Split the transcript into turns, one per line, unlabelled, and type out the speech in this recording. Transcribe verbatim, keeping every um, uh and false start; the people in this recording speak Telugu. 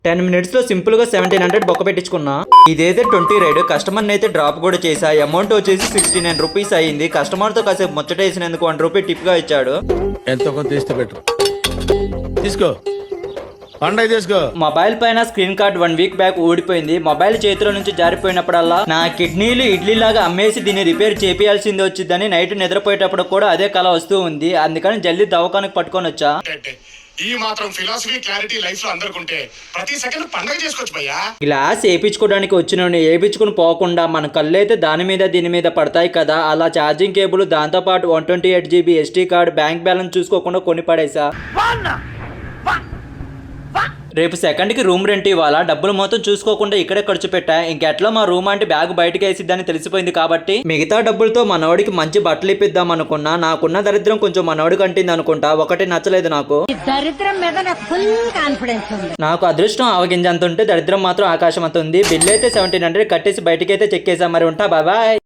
టెన్ మినిట్స్ లో సింపుల్ గా సెవెంటీన్ హండ్రెడ్ బొక్క పెట్టించుకున్నా. ఇదైతే ట్వంటీ రైడ్. కస్టమర్ అయితే డ్రాప్ కూడా చేసా. అమౌంట్ వచ్చేసి సిక్స్టీ నైన్ రూపీస్ అయింది. కస్టమర్ తో కాసేపు ముచ్చటేసినందుకు వన్ రూపీ టిప్ గా ఇచ్చాడు.
ఎంతో కొంత తీస్తే బెటర్. తీసుకో పండగ తీసుకో.
మొబైల్ పైన screen guard one week back ఊడిపోయింది. మొబైల్ చేతిలో నుంచి జారిపోయినప్పుడల్లా నా కిడ్నీలు ఇడ్లీ లాగా అమ్మేసి దీన్ని రిపేర్ చేపియాల్సింది వచ్చిందని నైట్ నిద్రపోయేటప్పుడు కూడా అదే కళ వస్తూ ఉంది. అందుకని జల్దీ దవాఖానకు పట్టుకొని వచ్చా.
ఈ మాత్రం ఫిలాసఫీ క్లారిటీ లైఫ్ లో అందరికుంటే ప్రతి సెకండ్ పండగ చేసుకోవచ్చు భయ్యా.
గ్లాస్ వేయించుకోవడానికి వచ్చిన వేయించుకుని పోకుండా మన కళ్ళు అయితే దాని మీద దీని మీద పడతాయి కదా, అలా ఛార్జింగ్ కేబుల్ దాంతో పాటు one twenty eight GB SD card bank balance చూసుకోకుండా కొని పడేసా. రేపు సెకండ్ కి రూమ్ రెంట్ ఇవ్వాలా, డబ్బులు మొత్తం చూసుకోకుండా ఇక్కడే ఖర్చు పెట్టా. ఇంకెట్లా మా రూమ్ అంటే బ్యాగ్ బయటకు వేసిద్దని తెలిసిపోయింది కాబట్టి మిగతా డబ్బులతో మనోడికి మంచి బట్టలు ఇప్పిద్దాం అనుకున్నా. నాకున్న దరిద్రం కొంచెం మనోడికి అంటింది అనుకుంటా. ఒకటి నచ్చలేదు నాకు.
దరిద్రం మీద నాకు ఫుల్ కాన్ఫిడెన్స్ ఉంది.
నాకు అదృష్టం ఆవగింజ అంత ఉంటే దరిద్రం మాత్రం ఆకాశం అంత ఉంది. బిల్ అయితే సెవెంటీన్ హండ్రెడ్ కట్టేసి బయటకి అయితే చెక్కేసా. మరి ఉంటా, బాయ్.